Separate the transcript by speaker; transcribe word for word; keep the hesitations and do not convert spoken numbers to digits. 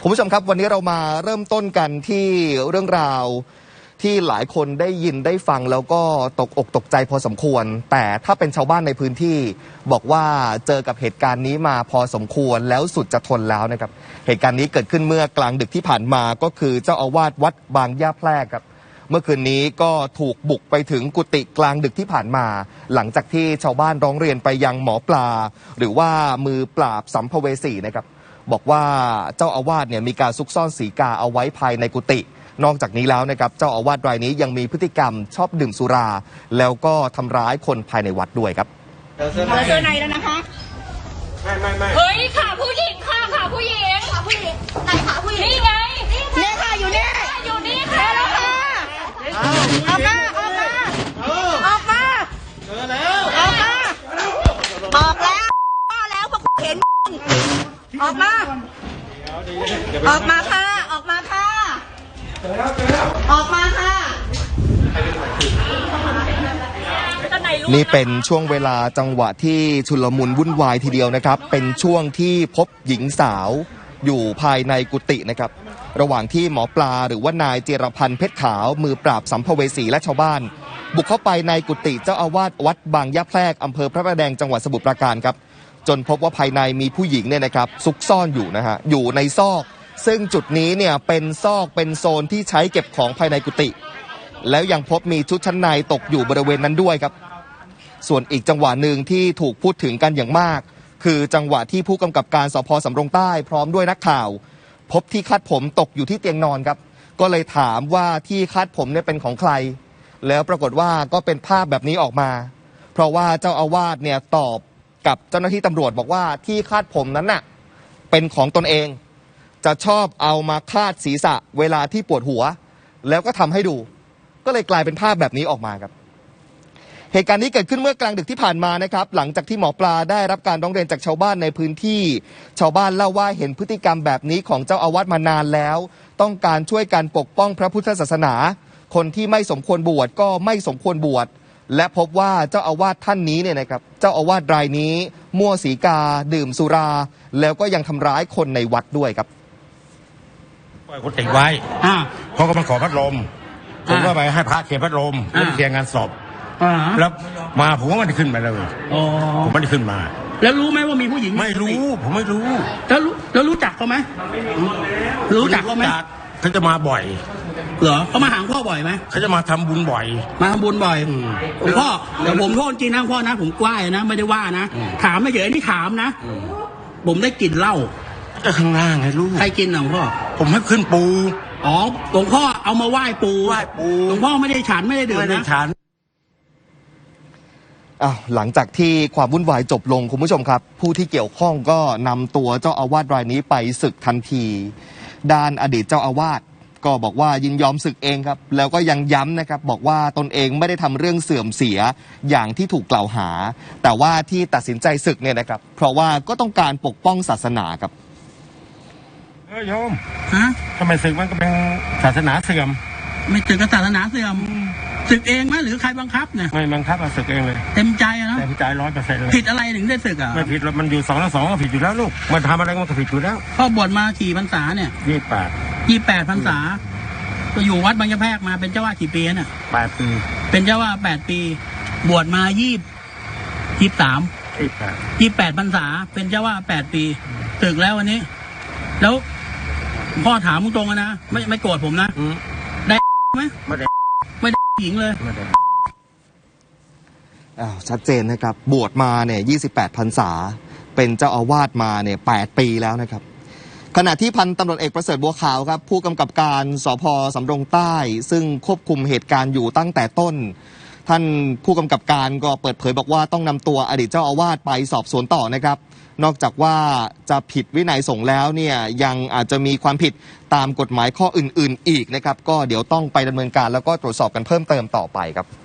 Speaker 1: คุณผู้ชมครับวันนี้เรามาเริ่มต้นกันที่เรื่องราวที่หลายคนได้ยินได้ฟังแล้วก็ตกอกตกใจพอสมควรแต่ถ้าเป็นชาวบ้านในพื้นที่บอกว่าเจอกับเหตุการณ์นี้มาพอสมควรแล้วสุดจะทนแล้วนะครับเหตุการณ์นี้เกิดขึ้นเมื่อกลางดึกที่ผ่านมาก็คือเจ้าอาวาสวัดบางย่าแพรกครับเมื่อคืนนี้ก็ถูกบุกไปถึงกุฏิกลางดึกที่ผ่านมาหลังจากที่ชาวบ้านร้องเรียนไปยังหมอปลาหรือว่ามือปราบสัมภเวสีนะครับบอกว่าเจ้าอาวาสเนี่ยมีการซุกซ่อนสีกาเอาไว้ภายในกุฏินอกจากนี้แล้วนะครับเจ้าอาวาสรายนี้ยังมีพฤติกรรมชอบดื่มสุราแล้วก็ทำร้ายคนภายในวัดด้วยครับ
Speaker 2: เราเจอในแล้วนะคะ
Speaker 3: ไม่ไม่ไม่
Speaker 2: เฮ้ยขาผู้หญิงค่ะขาผู้หญิงขาผู้หญิงไหนขาผู้หญิงนี่ไงเนี่ยค่ะอยู่นี่อยู่นี่ค่ะแล้วค่ะออกมาออกมาออกมา
Speaker 3: เจอแล้ว
Speaker 2: ออกมาออกแล้วแล้วพวกเห็นออกมาออกมาค่ะออกมาค่ะออกมาค่ะ
Speaker 1: นี่เป็นช่วงเวลาจังหวะที่ชุลมุนวุ่นวายทีเดียวนะครับเป็นช่วงที่พบหญิงสาวอยู่ภายในกุฏินะครับระหว่างที่หมอปลาหรือว่านายเจรพันธ์เพชรขาวมือปราบสัมภเวสีและชาวบ้านบุกเข้าไปในกุฏิเจ้าอาวาสวัดบางย่าแพรกอำเภอพระประแดงจังหวัดสมุทรปราการครับจนพบว่าภายในมีผู้หญิงเนี่ยนะครับซุกซ่อนอยู่นะฮะอยู่ในซอกซึ่งจุดนี้เนี่ยเป็นซอกเป็นโซนที่ใช้เก็บของภายในกุฏิแล้วยังพบมีชุดชั้นในตกอยู่บริเวณนั้นด้วยครับส่วนอีกจังหวะหนึ่งที่ถูกพูดถึงกันอย่างมากคือจังหวะที่ผู้กำกับการสภ.สำโรงใต้พร้อมด้วยนักข่าวพบที่คาดผมตกอยู่ที่เตียงนอนครับก็เลยถามว่าที่คาดผมเนี่ยเป็นของใครแล้วปรากฏว่าก็เป็นภาพแบบนี้ออกมาเพราะว่าเจ้าอาวาสเนี่ยตอบกับเจ้าหน้าที่ตำรวจบอกว่าที่คาดผมนั้นน่ะเป็นของตนเองจะชอบเอามาคาดศีรษะเวลาที่ปวดหัวแล้วก็ทำให้ดูก็เลยกลายเป็นภาพแบบนี้ออกมาครับเหตุการณ์นี้เกิดขึ้นเมื่อกลางดึกที่ผ่านมานะครับหลังจากที่หมอปลาได้รับการร้องเรียนจากชาวบ้านในพื้นที่ชาวบ้านเล่าว่าเห็นพฤติกรรมแบบนี้ของเจ้าอาวาสมานานแล้วต้องการช่วยกันปกป้องพระพุทธศาสนาคนที่ไม่สมควรบวชก็ไม่สมควรบวชและพบว่าเจ้าอาวาสท่านนี้เนี่ยนะครับเจ้าอาวาสรายนี้มั่วสีกาดื่มสุราแล้วก็ยังทำร้ายคนในวัดด้วยครับ
Speaker 3: ปล่อยกุฏิไว้เขาก็มาขอพัดลมผมก็ไปให้พระเคลียร์พัดลมเรื่องเคลียร์งานศพแล้วมาผมก็ไม่ได้ขึ้นมาเลยผมไม่ได้ขึ้นมา
Speaker 4: แล้วรู้ไหมว่ามีผู้หญิง
Speaker 3: ไม่รู้ผมไม่รู้
Speaker 4: แล้วรู้แล้วรู้จักเขาไหมรู้จักเขาไหม
Speaker 3: เขาจะมาบ่อย
Speaker 4: เหรอเขามาหาพ่อบ่อยไหม
Speaker 3: เขาจะมาทำบุญบ่อย
Speaker 4: มาทำบุญบ่อยผมพ่อเดี๋ยวผมโทษจริงนะพ่อนะผมกว้ายนะไม่ได้ว่านะถามไม่เฉยนี่ถามนะผมได้กลิ่นเหล้า
Speaker 3: จะข้างล่างไงลูก
Speaker 4: ใครกินหรอพ่อ
Speaker 3: ผมให้ขึ้นปู
Speaker 4: อ๋อหลวงพ่อเอามาไหว้ปู
Speaker 3: ไหว้ปู
Speaker 4: หลวงพ่อไม่ได้ฉันไม่ได้ดื่มนะ
Speaker 1: อ้าวหลังจากที่ความวุ่นวายจบลงคุณผู้ชมครับผู้ที่เกี่ยวข้องก็นำตัวเจ้าอาวาสรายนี้ไปศึกทันทีด้านอดีตเจ้าอาวาสก็บอกว่ายินยอมศึกเองครับแล้วก็ยังย้ำนะครับบอกว่าตนเองไม่ได้ทำเรื่องเสื่อมเสียอย่างที่ถูกกล่าวหาแต่ว่าที่ตัดสินใจศึกเนี่ยนะครับเพราะว่าก็ต้องการปกป้องศาสนาครับ
Speaker 3: เออโยมฮะทำไมศึกมันก็เป็นศาสนาเสื่อม
Speaker 4: ไม่ถึงกับศาสนาเสื่อมศึกเองไหมหรือใครบังคับเนี่ย
Speaker 3: ไม่บังคับมาศึกเองเลย
Speaker 4: เต็มใจนะ
Speaker 3: เต็มใจร้อยเปอร์เซ็นต์เลย
Speaker 4: ผิดอะไรถึงได้ศึกอ่ะ
Speaker 3: ไม่ผิดมันอยู่สองแล้วสองก็ผิดอยู่แล้วลูกมันทำอะไรมันก็ผิดอยู่แล้ว
Speaker 4: พ่อบวชมากี่พรรษาเนี่ย
Speaker 3: ยี่แปด
Speaker 4: ยี่แปดพรรษาก็อยู่วัดบางยะแพรกมาเป็นเจ้าวาดกี่ปีเนี่ย
Speaker 3: แปดปี
Speaker 4: เป็นเจ้าวาดแปดปีบวชมายี่ยี่สาม
Speaker 3: ยี่แปด
Speaker 4: ยี่แปดพรรษาเป็นเจ้าวาดแปดปีศึกแล้ววันนี้แล้วพ่อถามตรงๆนะไม่ไม่โกรธผมนะได้ไหม
Speaker 3: ไม่ได้
Speaker 4: ไม่ได้หญิงเลย
Speaker 1: อ้าวชัดเจนนะครับบวชมาเนี่ยยี่สิบแปดพรรษาเป็นเจ้าอาวาสมาเนี่ยแปดปีแล้วนะครับขณะที่พันตำรวจเอกประเสริฐบัวขาวครับผู้กำกับการสภ.สำโรงใต้ซึ่งควบคุมเหตุการณ์อยู่ตั้งแต่ต้นท่านผู้กำกับการก็เปิดเผยบอกว่าต้องนำตัวอดีตเจ้าอาวาสไปสอบสวนต่อนะครับนอกจากว่าจะผิดวินัยสงฆ์แล้วเนี่ยยังอาจจะมีความผิดตามกฎหมายข้ออื่นๆอีกนะครับก็เดี๋ยวต้องไปดำเนินการแล้วก็ตรวจสอบกันเพิ่มเติมต่อไปครับ